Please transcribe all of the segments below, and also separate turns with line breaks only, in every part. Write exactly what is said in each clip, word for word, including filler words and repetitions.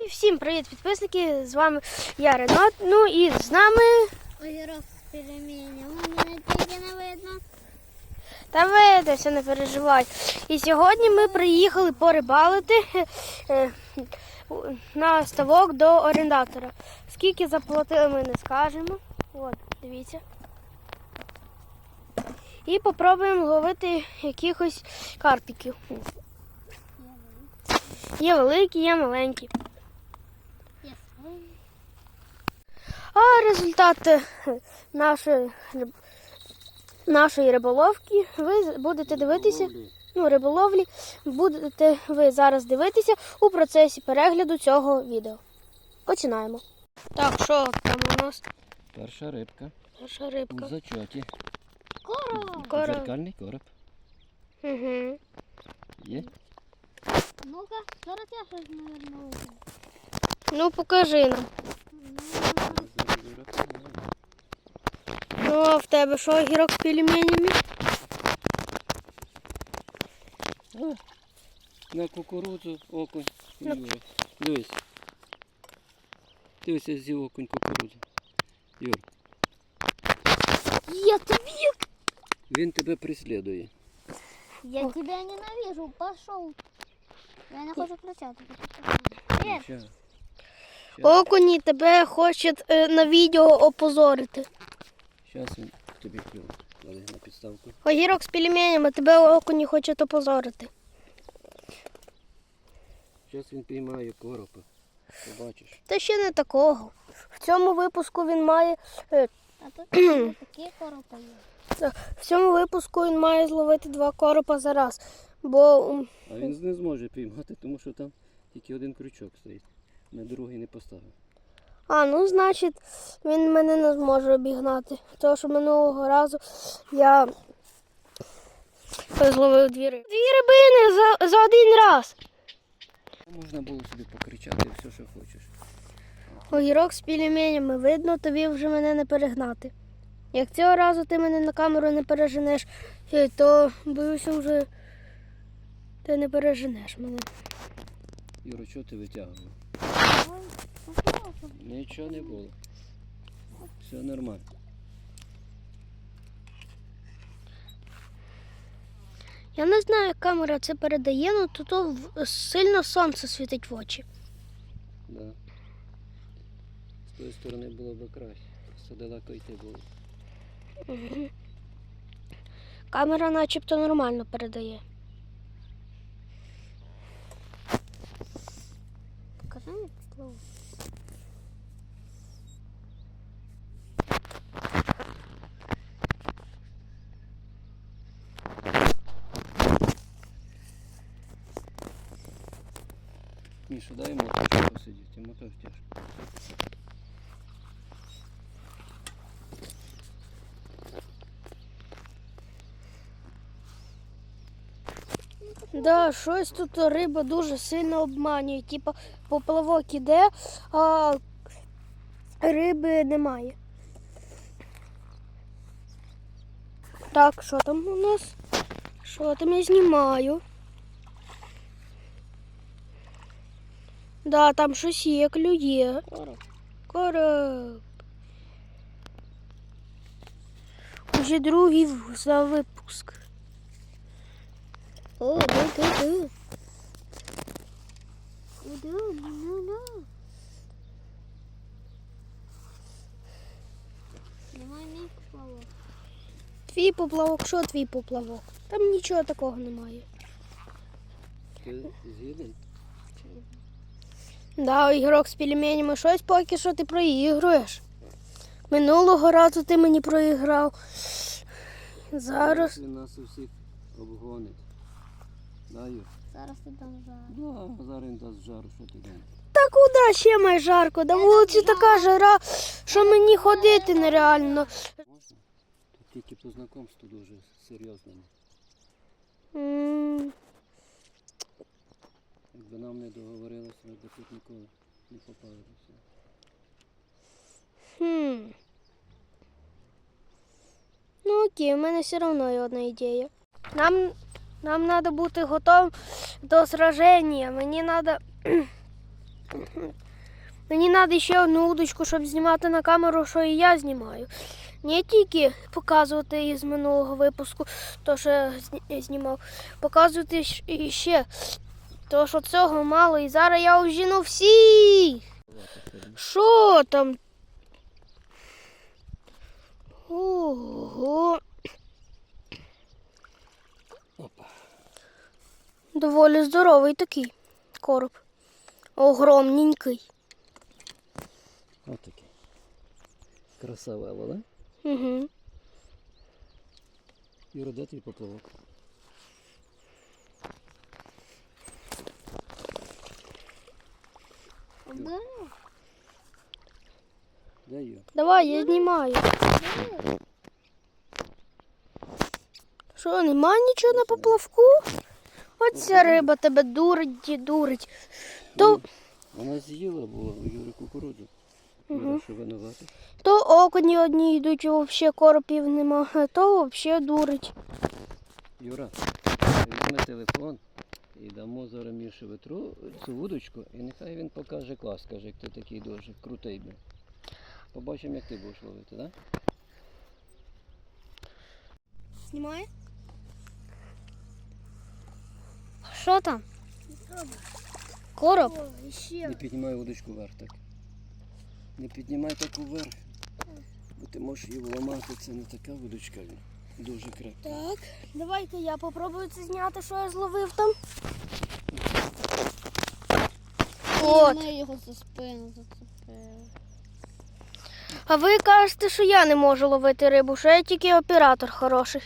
Всім привіт, підписники! З вами я, Ренат. Ну і з нами...
Огірок з пельменем. У мене тільки не видно.
Та видався, не переживай. І сьогодні ми приїхали порибалити на ставок до орендатора. Скільки заплатили, ми не скажемо. От, дивіться. І попробуємо ловити якихось карпіків. Є великі, є маленькі. А результат нашої, нашої риболовки ви будете дивитися, ну, риболовлі, будете ви зараз дивитися у процесі перегляду цього відео. Починаємо. Так, що там у нас?
Перша рибка.
Перша рибка.
У зачоті.
Короб.
Короб.
Дзеркальний короб.
Угу.
Є?
Ну-ка, зараз я щось, мабуть, увижу.
Ну, покажи нам. Ну, а в тебе що, огірок з пельменями?
А, на кукурудзу окунь.
На-
Юра. Дивись. Дивися зі окунь кукурудзу. Юр,
Я тобі...
він тебе преслідує.
Я тебя ненавижу, пошел. Я не хочу кричати. Привет.
Ща.
Окуні тебе хочуть е, на відео опозорити.
Щас він тобі клюв. Клади на підставку.
Огірок з пельменями, тебе окуні хочуть опозорити.
Щас він піймає коропа. Побачиш.
Та ще не такого. В цьому випуску він має е,
А тут такі коропи є.
в цьому випуску він має зловити два коропа за раз. Бо м,
А він не зможе піймати, тому що там тільки один крючок стоїть. На другий не поставив.
а, ну значить, він мене не зможе обігнати. Тому що минулого разу я зловив дві риби. Дві рибини за, за один раз.
Можна було собі покричати все, що хочеш.
Огірок з пельменями, видно, тобі вже мене не перегнати. Як цього разу ти мене на камеру не переженеш, е, то, боюся, вже ти не переженеш мене.
Юро, чого ти витягував?
Ой, попробуй.
Нічого не було. Все нормально.
Я не знаю, як камера це передає, але тут то в- сильно сонце світить в очі.
Да. З тої сторони було б краще. Все далеко йти було.
Камера начебто нормально передає.
Покажи мені слово.
Міша, дай йому трошки посидіти, йому теж тяжко.
Да, щось тут риба дуже сильно обманює. Типа поплавок іде, а риби немає. Так, що там у нас? Що там я знімаю? Да, там щось є, клює.
Короб.
Короб. Уже другий в- за випуск. О, да, да, да.
Іду, ну, ну. Немає мій поплавок.
Твій поплавок, що твій поплавок? Там нічого такого немає.
Ти згідний?
Да, ігрок з пельменями, щось поки що ти проігруєш. Минулого разу ти мені проіграв. Зараз.
Він нас усіх обгонить. Да, Юр?
Зараз ти дам жару.
Да, зараз він дасть жару, що ти думаєш?
Та куди ще має жарко? На вулиці така жара, що мені ходити нереально.
Можна? Тут тільки по знакомству дуже серйозному.
М,
Якби нам не договорилися, ми б тут ніколи не попали до всього.
Хм. Ну окей, у мене все одно є одна ідея. Нам, нам треба бути готовим до сраження. Мені треба Мені треба ще одну удочку, щоб знімати на камеру, що і я знімаю. Не тільки показувати із минулого випуску, то що я зні- знімав, показувати щ- і ще. То що цього мало, і зараз я ожіну всі. Що там? Ого.
Опа.
Доволі здоровий такий короб. Огромненький.
Ось такий. Красавело, да?
Угу.
Юра, де твій поплавок?
Да?
Де Юра?
Давай, я знімаю. Що, нема нічого на поплавку? Оця риба тебе дурить і дурить. То,
Вона з'їла була у Юри кукурудзу.
Мгм.
Юра, що винувати?
то окуні одні йдуть, взагалі коропів нема, а то взагалі дурить.
Юра, візьми телефон і дамо зараз Міші ветру цю вудочку, і нехай він покаже клас, каже, як ти такий дуже крутий. Бля. Побачимо, як ти будеш ловити, так? Да?
Знімає? Що там? Короб?
Не піднімай удочку вверх так. Не піднімай таку вверх, бо ти можеш її вламати, це не така вудочка, дуже крепка.
Так, давайте я попробую це зняти, що я зловив там. От.
Ми його за спину зацепили.
А ви кажете, що я не можу ловити рибу, що я тільки оператор хороший.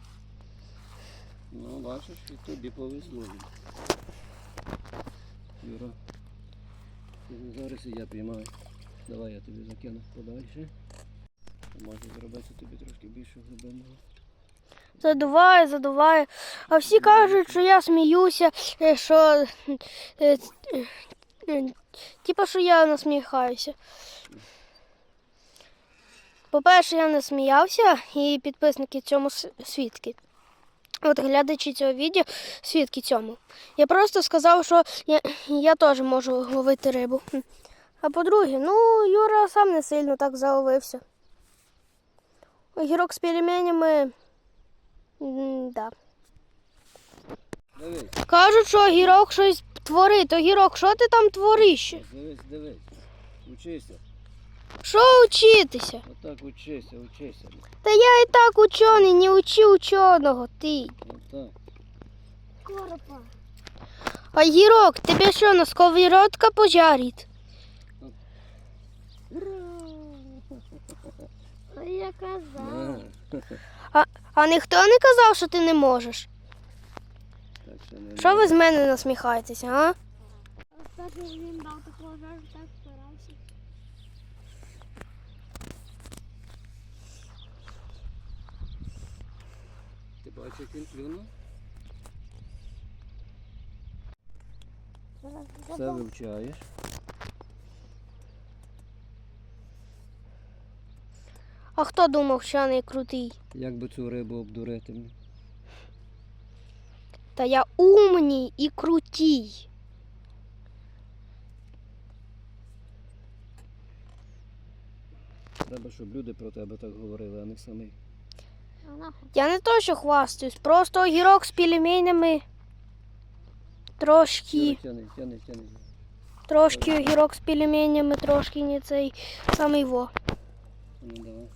Ну, бачиш, і тобі повезло. Юра, зараз і я піймаю. Давай я тобі закину подальше. Можна зробити тобі трошки більше глибинного.
Задуває, задуває. А всі кажуть, що я сміюся, е, що е, е, е, типа, що я насміхаюся. По-перше, я не сміявся, і підписники цьому с- свідки. От глядачі цього відео свідки цьому. Я просто сказав, що я, я теж можу ловити рибу. А по-друге, ну, Юра сам не сильно так заловився. Огірок з пельменями, м, да.
Дивись,
Кажуть, що огірок щось творить. Огірок, що ти там твориш?
дивись, дивись. Учися.
Що вчитися?
Отак учися, учися.
Та я і так учений, не учи ученого, ти.
Отак.
Коропа.
Огірок, тебе що, на сковородка пожарить?
А я казав.
На.
А ніхто не казав, що ти не можеш.
Так що не
Що ви з мене насміхаєтеся, а?
Кстати, він дав такого жару, так старався.
Ти бачиш, як він плюнув? Все вивчаєш.
А хто думав, що я не крутий?
Як би цю рибу обдурити?
Та я умній і крутій.
Треба, щоб люди про тебе так говорили, а не самі.
А нахуй.
Я не то, що хвастаюсь, просто огірок з пельменями. Трошки,
Тяни, тяни, тяни.
трошки огірок з пельменями, трошки не цей самий во.
Ну давай.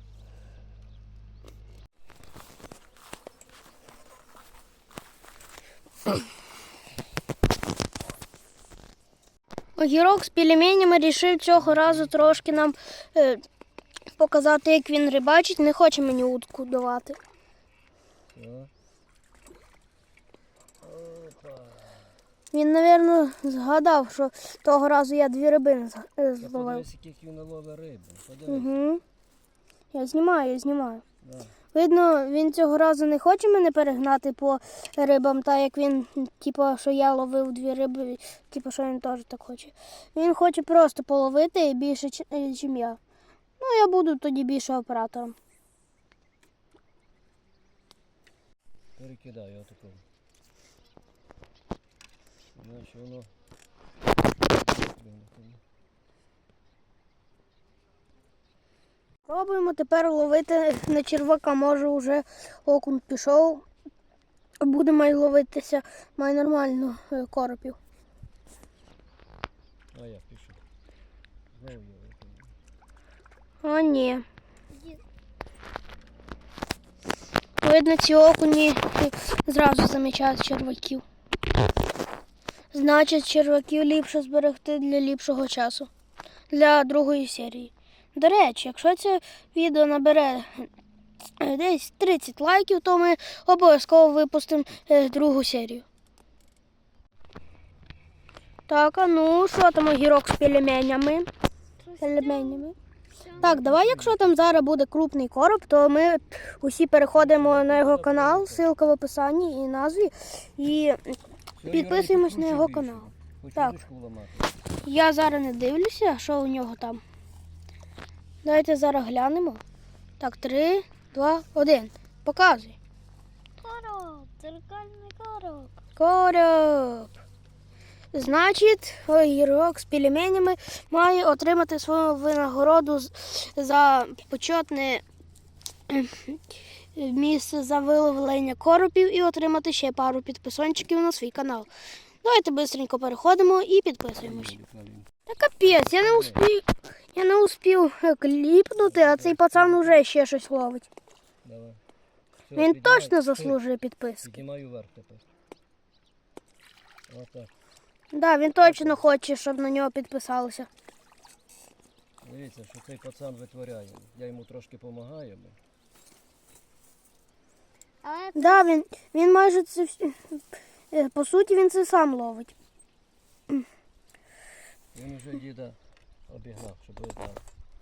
Огірок з пельменями рішив цього разу трошки нам е, показати, як він рибачить. Не хоче мені удку давати.
Все. Опа.
Він, мабуть, згадав, що того разу я дві рибини з- е,
Та
зловив.
подивись, яких він наловив риби. Подивись.
Угу. Я знімаю, я знімаю.
Да.
Видно, він цього разу не хоче мене перегнати по рибам, так як він, типу, що я ловив дві риби, типу, що він теж так хоче. Він хоче просто половити більше, ніж я. Ну, я буду тоді більше оператором.
Перекидаю отаку. Значить воно вимикаємо.
Пробуємо тепер ловити на червака. Може вже окунь пішов. Буде май ловитися, май нормально е, коропів.
А я пішов. Знову я викину.
А ні.
Иди.
Видно, ці окуні е, зразу замічають черваків. Значить, черваків ліпше зберегти для ліпшого часу. Для другої серії. До речі, якщо це відео набере е, десь тридцять лайків, то ми обов'язково випустимо е, другу серію. Так, а ну, що там огірок з пельменями? Пельменями. Так, давай, якщо там зараз буде крупний короб, то ми усі переходимо на його канал, ссылка в описанні і назві, і
Все,
підписуємось
Юра,
на його
більше.
канал.
Хочу
Так.
ручку ламати.
Я зараз не дивлюся, що у нього там. Давайте зараз глянемо. Так, три, два, один. Показуй.
Короб, зеркальный короб.
Короб. Значить, огірок з пельменями має отримати свою винагороду з- за почетне е, місце за виловлення коропів і отримати ще пару підписончиків на свій канал. Давайте швидко переходимо і підписуємось. Та капець, я не успів, я не успів е, кліпнути, а цей пацан уже ще щось ловить.
Давай. Все,
Він
піднімай.
точно
Стой.
заслужує підписки.
Піднімаю вверх тепер. Отак.
Да, він точно хоче, щоб на нього підписалися.
Дивіться, що цей пацан витворяє. Я йому трошки допомагаю.
А это
Да, він, він майже це вс- е, по суті він це сам ловить.
Він уже діда обігнав, щоб ви знали.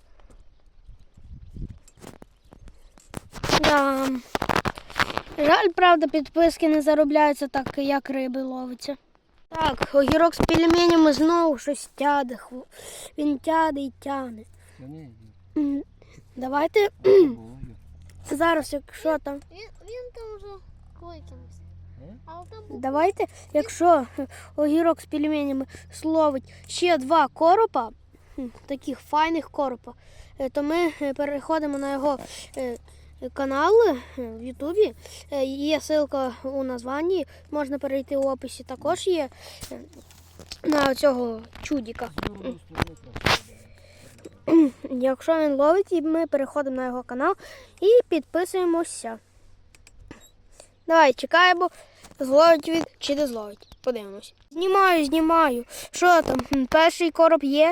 Да. Жаль, правда, підписки не заробляються так, як риби ловиться. Так, огірок з пельменями знову щось тяде. хво- Він тяде і тяне.
Ну ні,
М, Давайте
ні.
зараз, якщо там.
він, він там вже викинувся.
Е?
А от там був
Давайте, якщо огірок з пельменями словить ще два коропа, хм, таких файних коропа, е, то ми е, переходимо на його е, канал е, в Ютубі. Е, Є ссылка у названні, можна перейти в описі. Також є е, на цього чудіка.
З другої сторони просто.
Якщо він ловить, і ми переходимо на його канал і підписуємося. Давай, чекаємо, зловить він чи не зловить. Подивимось. Знімаю, знімаю. Що там? Хм, Перший короб є.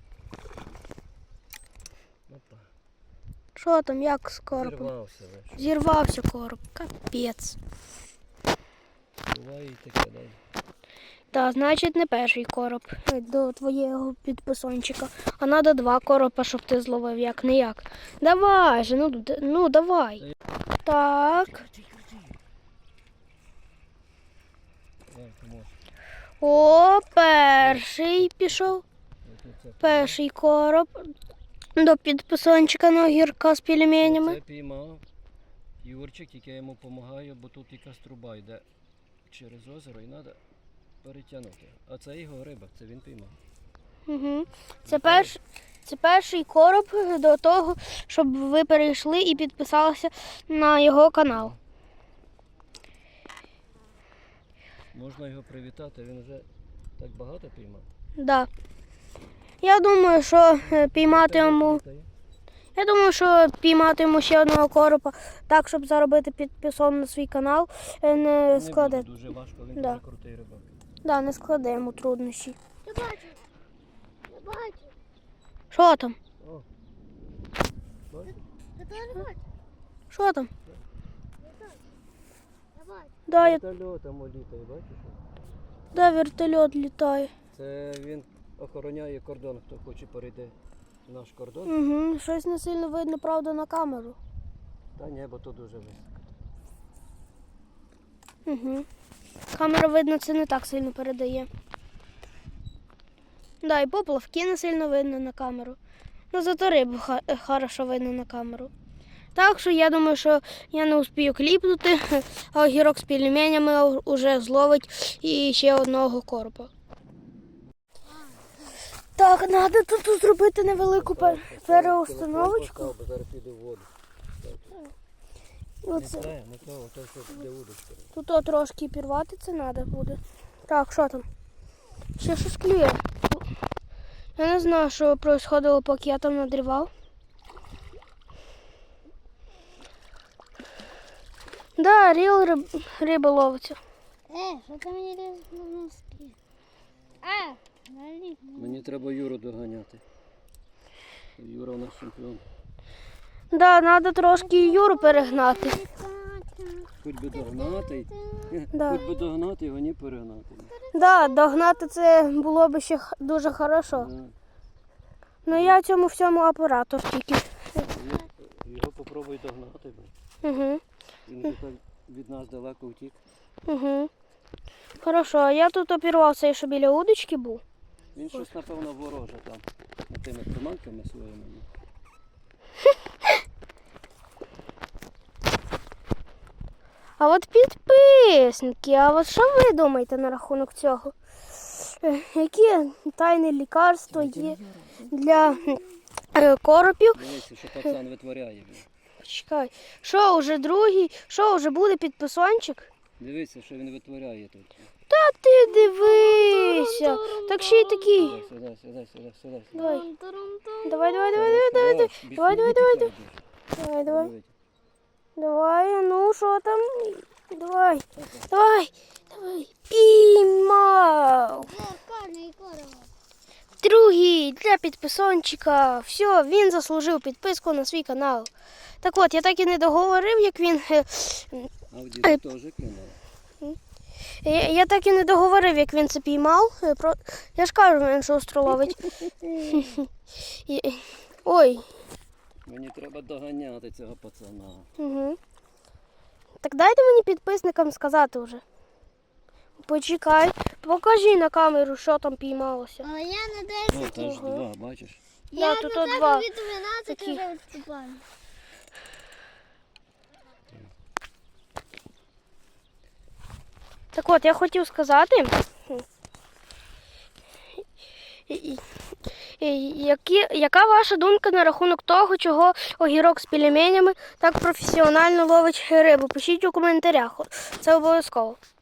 Опа.
Що там, як з коробом?
Зірвався. ви що?
Зірвався короб. Капець.
Буває і таке, дай.
Та, значить, не перший короб е, до твоєго підписончика. А треба два коропа, щоб ти зловив, як не як. Давай же, ну, д- ну давай. Так.
Крути, крути. Давай, поможеш.
О, перший пішов.
Ось це.
Перший короб до підписончика на огірка з пельменями.
Це піймав Юрчик, тільки я йому допомагаю, бо тут якась труба йде через озеро і треба перетягнути. А це його риба, це він піймав.
Угу. Це, перш, це перший короб до того, щоб ви перейшли і підписалися на його канал.
Можна його привітати, він вже так багато піймав.
Да. Я думаю, що е, піймати йому.
Вітаю.
Я думаю, що піймати йому ще одного коропа, так, щоб заробити підписон на свій канал, е, не
Не
складе.
буде дуже важко, він
Да.
дуже крутий рибак.
Да, не складе йому труднощі.
Я бачу. Я бачу.
Що там?
О, бачиш?
Я теж бачу.
Що там?
Я теж. Я бачу.
Да, я...
Вертольотом літає, бачиш?
да, вертольот літає.
Це він охороняє кордон, хто хоче перейти наш кордон.
Угу. Щось не сильно видно, правда, на камеру.
Та ні, бо то дуже високо.
Угу. Камера, видно, це не так сильно передає. Да, і поплавки не сильно видно на камеру. Ну, зато рибу ха- е, хорошо видно на камеру. Так що я думаю, що я не успію кліпнути, а огірок з пельменями уже зловить і ще одного коропа. Так, треба тут зробити невелику пер- переустановочку.
Зараз піде в воду.
Оце.
Не треба, не треба, то що для удочки.
Тут от трошки пірвати це треба буде. Так, що там? Ще щось клює. Я не знаю, що відбувалося, поки я там надрівав. Да, ріл риб... риба ловиться.
Е, що ти мені лізеш на носки? А, наліз.
Мені треба Юру доганяти. Юра у нас чемпіон.
Да, треба трошки Юру перегнати.
Хоч би догнати,
Да.
хоч би догнати, його не перегнати.
Да, догнати це було б ще х- дуже хорошо.
Да.
Ну я цьому всьому оператор тільки.
Його- Його попробуй догнати. бо
Угу,
Він вже так від нас далеко втік.
угу. Хорошо, а я тут опірвався, що біля удочки був.
Він щось, напевно, вороже там. Тими приманками своїми.
А от підписники, а от що ви думаєте на рахунок цього? Е, Які тайне лікарство є для е, коропів?
Дивіться, що пацан витворяє. Він.
Чекай, що уже другий, що вже буде підписончик?
Дивіться, що він витворяє тут.
Та ти дивися, так ще й такий.
Сюди, сюди, сюди, сюди, сюди.
Давай, давай, давай, давай, давай, давай, давай, давай, давай, давай, давай, давай, ну що там? Давай, давай, давай, піймав.
Карний корова.
Другий для підписончика. Все, він заслужив підписку на свій канал. Так от, я так і не договорив, як він. е,
А в діду теж кинув.
Я, я так і не договорив, як він це піймав. Е, Про... Я ж кажу, він шустро ловить. І- Ой.
Мені треба доганяти цього пацана.
Угу. Так дайте мені підписникам сказати вже. Почекай, покажи на камеру, що там піймалося.
А я на
О,
десять.
та ж два, бачиш?
Я
тут
на
от
тебе
два
від дванадцяти
такі.
вже відступаю.
Так от, я хотів сказати, і- і- і- які, яка ваша думка на рахунок того, чого огірок з пельменями так професіонально ловить рибу? Пишіть у коментарях, це обов'язково.